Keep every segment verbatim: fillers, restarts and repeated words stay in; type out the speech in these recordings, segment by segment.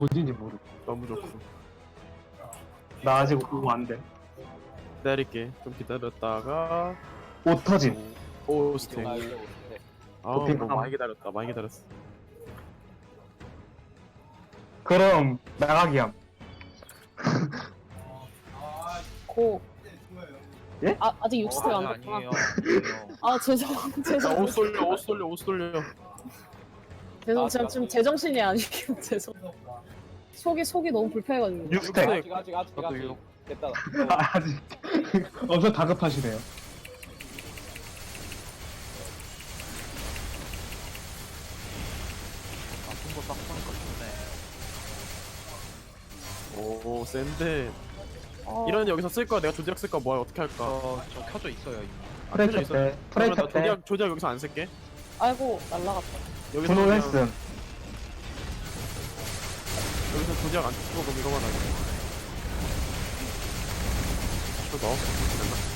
어딘지 모르. 너무 좋고. 나 아직 그거 안 돼. 기다릴게. 좀 기다렸다가 옷 터짐. 오 스택. 아 이게 오는데 아, 도핑 뭐 함. 많이 기다렸다. 많이 기다렸어. 그럼 나가기함. 고. 예? 아, 아직 육 스택 안 아니에요. 됐구나. 아니에요. 아, 죄송, 죄송. 자, 옷 쏠려, 옷 쏠려, 옷 쏠려. 죄송, 제가 지금 제정신이 아니고, 죄송. 속이, 속이 너무 불편해가지고. 육 스택. 아직 아직 아직 저도 아직 육. 됐다. 아, 아직. 엄청 다급하시네요. 아픈 거딱 보니까 좋네. 오, 센데. 어, 이런 여기서 쓸 거야. 내가 조작 쓸 거야. 뭐야, 어떻게 할까? 저저 켜져 있어요 이미. 아, 프레이 켜져 있어. 켰대. 프레이 그러면 나 켰대. 조작, 조작 여기서 안 쓸게. 아이고, 날라갔다. 여기서 분호 그냥- 했음. 여기서 조작 안 쓰고 그럼 이거만 하게. 이거 넣어. 됐나?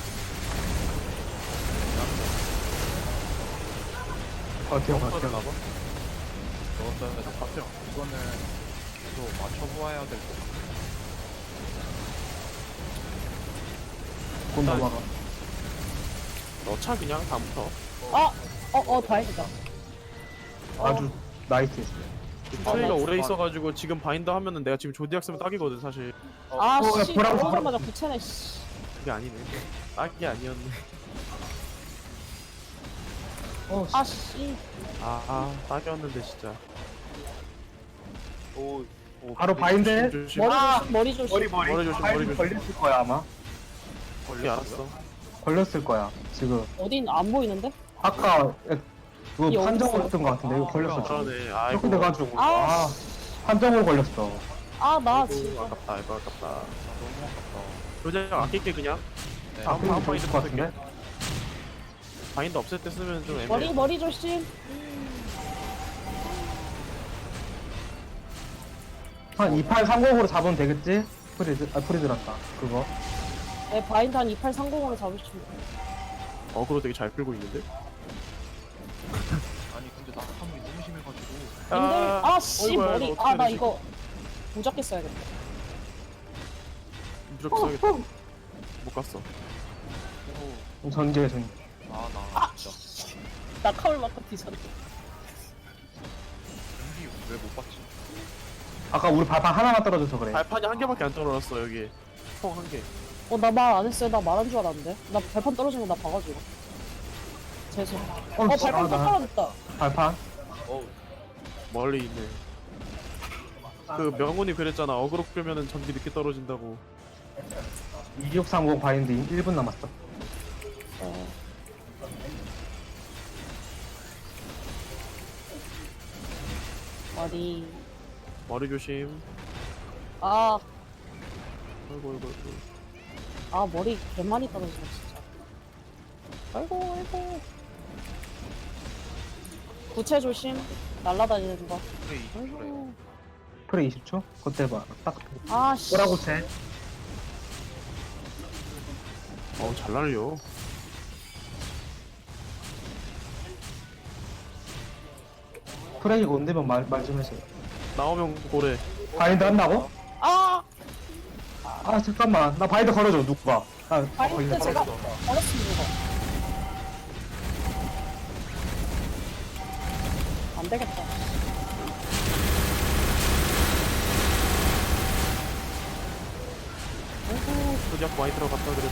버텨, 버텨. 넣었어야 나봐. 넣었어야 될 것 같아요. 이거는 또 맞춰보아야 될 것 같아요. 곧 넘어가. 넣자 그냥 다음부터. 아! 어, 어, 다행이다. 아주 나이스. 트레이가 어, 오래 어. 있어가지고 지금 바인더 하면은 내가 지금 조디악 쓰면 딱이거든 사실. 아, 어, 씨. 보라고, 들어오자마자 구체네, 씨. 그게 아니네. 딱이 아니었네. 어, 아, 씨. 아, 아 딱이었는데 진짜. 오, 오 바로 바인드. 조심. 머리 아! 조심, 머리 조심. 머리, 머리. 머리 조심, 바인드 머리 조심. 걸렸을 거야, 아마. 걸리 알았어. 걸렸을 거야, 지금. 어딘 안 보이는데? 아까, 에, 그거 여기 판정으로 있어. 했던 거 같은데, 이거 걸렸어. 지금. 그러네. 아이고. 이렇게 돼가지고. 아, 아, 판정으로 걸렸어. 아, 나 아이고, 진짜. 아깝다. 이거 아깝다. 너무 아깝다. 조디악 아낄게 그냥. 네. 아, 그럼 다음 좋을 것 같은데? 바인더 없을 때 쓰면 좀 애매해. 머리, 머리 조심. 한 이팔삼공으로 잡으면 되겠지? 프리드, 아, 프리드란다. 그거. 네, 바인드 한 이팔삼공으로 잡으시면 돼요. 어그로 되게 잘 끌고 있는데. 아니 근데 나 탐이 너무 심해가지고. 님들, 아, 씨, 어이구야, 머리. 이거 아, 나 어떻게 이거 무적기 써야겠다. 무조건 써야겠다. 못 갔어. 오, 전개, 전개. 아나 진짜 나 카울 마커 뒤졌네. 연기 왜 못 봤지? 아까 우리 발판 하나만 떨어져서 그래. 발판이 한 개밖에 안 떨어졌어 여기. 총 한 개. 어, 나 말 안 했어요. 나 말한 줄 알았는데. 나 발판 떨어진 거 나 봐가지고. 죄송. 어, 어, 발판 또 나 떨어졌다. 발판? 어우 멀리 있네. 그 명훈이 그랬잖아. 어그로 끌면은 전기 늦게 떨어진다고. 이육삼공 바인드 일 분 남았어. 어. 머리. 머리 조심. 아, 아이고 아이고 아이고. 아, 머리 개 많이 떨어진다, 진짜. 아이고, 아이고. 구체 조심. 날라다니는 거. 그래 이 그래. 아이고. 프레 이십 초? 그때 봐. 딱. 아, 씨. 뭐라고 쟤? 어우 잘 날려. 프레이가 온대면 말, 말 좀 해줘요. 나오면 고래. 바인드 한다고? 아! 아, 잠깐만. 나 바인드 걸어줘, 누가. 아, 바인드 걸렸어. 제가 걸었습니다, 이거. 안 되겠다. 아이고, 조작 많이 들어갔다 그래도.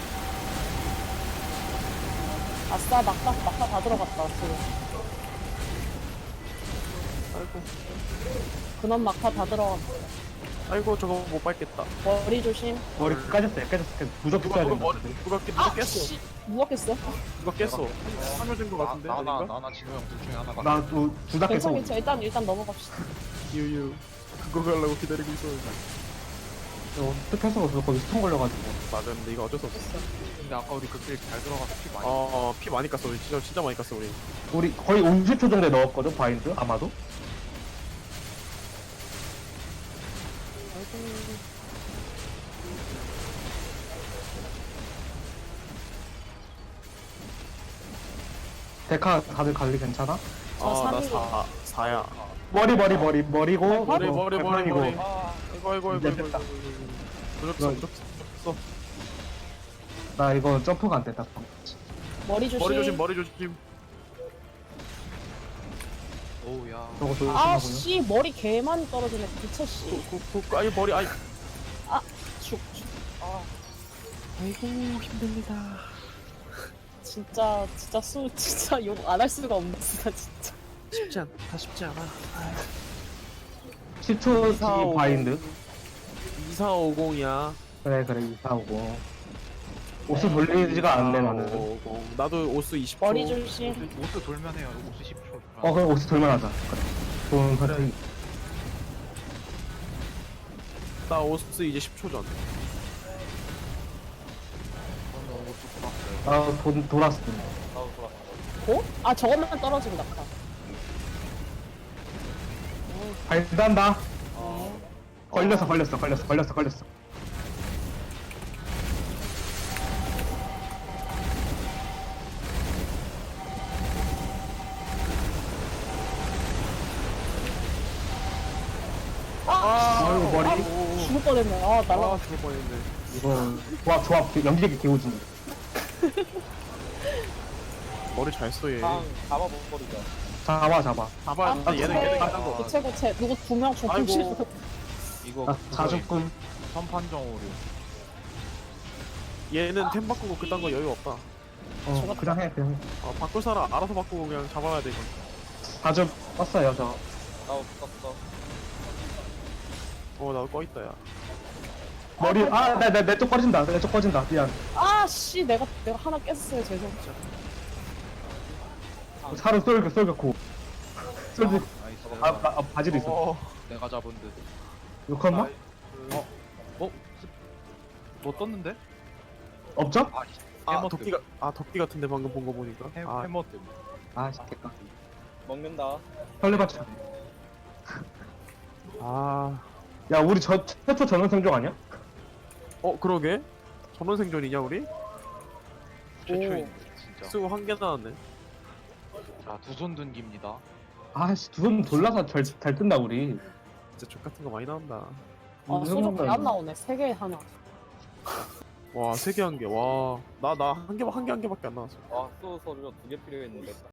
아싸, 막다, 막다 다 들어갔다, 지금. 아이고. 근원 막타 다 들어갔다. 아이고 저거 못 밟겠다. 머리 조심. 머리 까졌어요, 깨졌어, 깨졌어. 무조건 누가 써야 누가 된다. 머리 누가 깼 누가 아, 깼어. 씨. 누가 깼어? 누가 깼어. 삼여진 거 같은데 나나 아닌가? 나나 지금 둘 중에 하나가. 나둘다 깼어. 괜찮아, 괜찮아. 일단, 일단 넘어갑시다. 유유. 그거 가려고 기다리고 있었는데. 어떻게 할 수가 없어. 거기 스톤 걸려가지고. 맞아 근데 이거 어쩔 수 없어. 근데 아까 우리 그길 잘 들어가서 피 많이. 어, 피 많이 깠어. 우리 진짜 진짜 많이 깠어 우리. 우리 거의 오십 초 정도에 넣었거든, 바인드? 아마도? 데카 다들 관리 괜찮아? 저 아, 나 삼이요. 사, 사야. 머리 머리 머리 머리고 머리 어, 머리 머리 발판이고. 머리. 아, 아이고 아이고 아이고 이제 아이고. 됐다. 무적서 이거- 무적서 무적서. 나 이거 점프가 안 됐다. 머리 조심. 머리 조심 머리 조심. 오우 야. 저거 조심하고요. 아씨 머리 개 많이 떨어지네. 미쳐 씨. 그 아이 머리 아이. 죽. 죽. 아 아이고 힘듭니다. 진짜 진짜 수 진짜 욕 안 할 수가 없네 진짜 진짜. 쉽지 않다 쉽지 않아. 십 초 뒤 이사오공. 바인드. 이사오공이야. 그래 그래 이사오고. 옷을 돌리지가 않네 나는. 이사오공. 나도 오스 이십 초. 머리 조심. 오스 돌면 해요. 오스 십 초. 어 그럼 옷을 돌만 하자. 그래. 좋은 선택. 나 오스 이제 십 초 전. 저는 오스 돌았어요. 아 돈 돌았어. 나도 돌았어. 고? 아 저것만 떨어진다. 발단다. 어. 걸렸어 걸렸어 걸렸어 걸렸어 걸렸어. 아, 아이고 머리. 죽을 뻔했네. 아 날라. 아 죽을 뻔했네. 이거 조합 조합 연기력이 개오진. 머리 잘 써 얘. 잡아버리자. 잡아 잡아. 잡아야 아, 돼. 얘는 고체, 얘는 깐거 고체 고체 누구 두 명 죽고 아이고. 싶어. 이거 아, 자주꿈. 선판정 오류. 얘는 템 바꾸고 그딴 거 여유 없다. 어 그냥 해 그냥 해. 아, 바꿀 사람 알아서 바꾸고 그냥 잡아야 돼 이거. 자주 떴어요 저. 나 없었어. 어 나도 꺼 있다 야. 머리 아내내내쪽 꺼진다 내 쪽 꺼진다 미안. 아씨 내가 내가 하나 깼어요 죄송. 살은 쏠겨 쏠겨고. 쏠겨. 나이스. 아, 아, 아 바지도 있어. 어. 내가 잡은 듯. 욕했나? 어? 뭐 떴는데? 없죠? 아, 아 해머 도끼가 아 도끼 같은데 방금 본 거 보니까. 해, 아 해머 때문에. 아 됐다. 먹는다. 설레받쳐. 아. 야 우리 저 최초 전원 생존 아니야? 어 그러게. 전원 생존이냐 우리? 최초인 진짜. 수고 한 개 나왔네. 자, 두 손 든깁니다. 아씨 두 손 돌라서 잘, 잘 뜬다 우리. 진짜 족 같은 거 많이 나온다. 아 소주 안 나오네. 세 개 하나. 와 세 개 한 개. 와 나 나 한 개 한 개 한 개밖에 안 나왔어. 아, 또 서류가 두 개 필요했는데.